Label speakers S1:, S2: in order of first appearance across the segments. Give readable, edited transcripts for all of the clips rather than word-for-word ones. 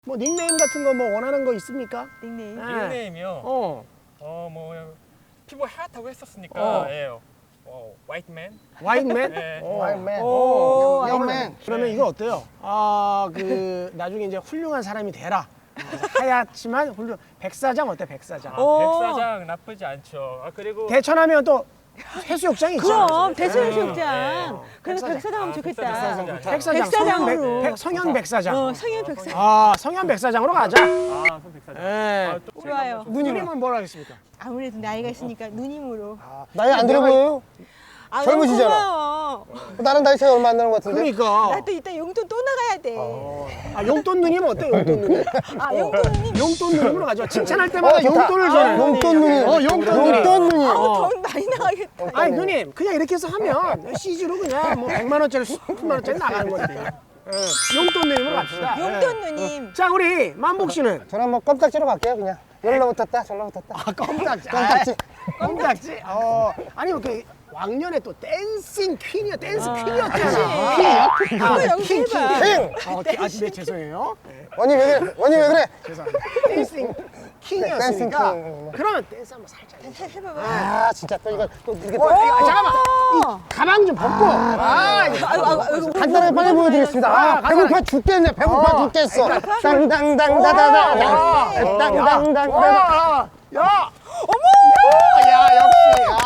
S1: 뭐 닉네임 같은 거 뭐 원하는 거 있습니까?
S2: 닉네임.
S1: 네.
S3: 닉네임이요? 뭐 피부 하얗다고 했었으니까 화이트맨?
S1: 와인맨?
S3: 네.
S4: 와인맨.
S1: 오,
S4: 영맨.
S1: 그러면 이거 어때요? 나중에 이제 훌륭한 사람이 되라. 하얗지만 백사장 어때? 백사장.
S3: 백사장 나쁘지 않죠. 그리고
S1: 대천하면 또 해수욕장이 있잖아.
S2: 그럼 대천해수욕장.
S3: 네.
S2: 그래서 백사장 하면 좋겠다.
S1: 백사장.
S2: 백사장으로.
S1: 성현 백사장.
S2: 성현 백사장.
S1: 성현 백사장으로 가자.
S3: 손 백사장.
S1: 예.
S2: 좋아요.
S1: 누님은 뭐라 하겠습니까?
S2: 아무래도 나이가 있으니까 누님으로.
S4: 나이 안 들어 보여요?
S2: 아,
S4: 젊으시잖아.
S2: 고마워.
S4: 나는 나이 차이 얼마 안 나는 것 같은데?
S1: 그러니까.
S2: 나 또 이따 용돈 또 나가야 돼.
S1: 용돈 누님 어때? 용돈 누님.
S2: 용돈 누님.
S1: 용돈 누님으로 가죠. 칭찬할 때마다
S4: 좋다.
S1: 용돈을 줘요.
S4: 용돈 누님.
S1: 용돈 누님.
S4: 용돈 누님.
S2: 돈 많이 나가겠다.
S1: 아니 누님 그냥 이렇게 해서 하면 CG로 그냥 뭐 100만 원짜리 10만 원짜리 나가는 거지. 용돈 누님으로 갑시다.
S2: 용돈 누님.
S1: 자 우리 만복 씨는
S4: 저는 뭐 껌딱지로 갈게요 그냥. 열로 붙었다 절로 붙었다.
S1: 껌딱지.
S4: 껌딱지.
S1: 껌딱지. 아니 그 왕년에 또 댄싱 퀸이야. 댄스 퀸이었잖아.
S2: 그거 연기해봐.
S4: 킹!
S1: 네 죄송해요.
S4: 원희 왜 그래? 원희 왜 그래?
S1: 죄송합니다. 댄싱 킹이었으니까.
S4: 댄싱 킹.
S1: 그러면 댄스 한번 살짝.
S2: 해봐봐.
S4: 아 진짜 또 이거 또 이렇게 또
S1: 잠깐만. 이 가방 좀 벗고.
S2: 아이고.
S4: 간단하게 빨리 보여드리겠습니다. 배고파 죽겠네. 배고파 죽겠어. 땅땅땅다다다. 땅땅땅다다.
S1: 야! 어머! 야, 역시.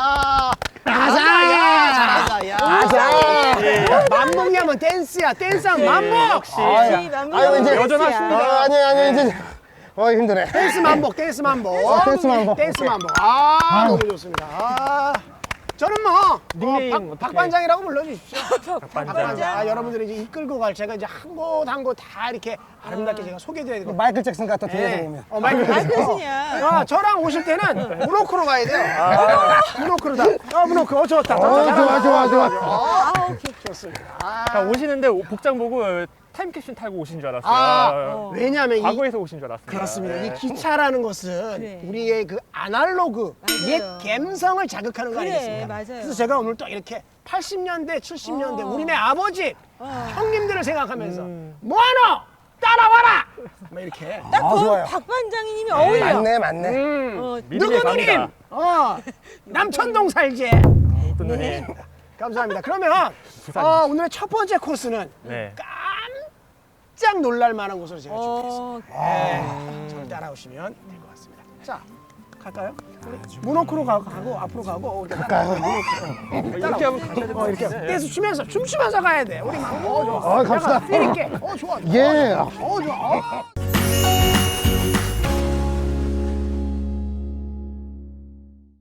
S1: 잘한다. 야.
S4: 아자.
S1: 만복이 하면 댄스야. 댄스하면 만복.
S3: 역시.
S4: 아유 이제
S3: 여전하십니다.
S4: 아니 이제 힘드네.
S1: 댄스 만복. 댄스 만복.
S4: 댄스 만복.
S1: 댄스 만복. 너무 좋습니다. 저는 뭐
S3: 닉네임 어떻게?
S1: 박반장이라고 불러주십시오.
S3: 박반장.
S1: 여러분들이 이제 이끌고 갈 제가 이제 한 곳 한 곳 다 이렇게 아름답게 제가 소개드려야 되고.
S4: 마이클 잭슨 같아 뒤에서 보면.
S1: 마이클
S2: 잭슨이야.
S1: 저랑 오실 때는 문호크로 가야 돼요. 문호크로다. 문호크. 좋다.
S4: 좋아.
S2: 오케이.
S1: 좋습니다.
S3: 오시는데 복장 보고 타임캡슐 타고 오신 줄 알았어요.
S1: 왜냐하면
S3: 과거에서 오신 줄 알았어요.
S1: 그렇습니다. 이 기차라는 것은
S2: 그래.
S1: 우리의 그 아날로그
S2: 맞아요.
S1: 옛 감성을 자극하는 거
S2: 그래,
S1: 아니겠습니까?
S2: 맞아요.
S1: 그래서 제가 오늘 또 이렇게 80년대, 70년대 우리네 아버지, 형님들을 생각하면서 뭐하노? 따라와라! 뭐 이렇게.
S2: 딱
S4: 좋아요.
S2: 박반장님이 어울려.
S4: 맞네.
S1: 누구 누님?
S3: 갑니다.
S1: 남천동 살지.
S3: 어떤 누님?
S1: 감사합니다. 그러면 오늘의 첫 번째 코스는
S3: 네.
S1: 깜짝 놀랄 만한 곳으로 제가 준비했습니다. 저를 따라오시면 될 것 같습니다. 자, 갈까요? 우리 문호크로 가고 앞으로 가고 이렇게
S3: 이렇게 하면 가셔야 될것
S1: 이렇게
S3: 같은데.
S1: 댄스 춤추면서 가야 돼. 우리 막 좋아.
S4: 갑시다.
S1: 필 있게. 좋아.
S4: 예.
S1: 좋아.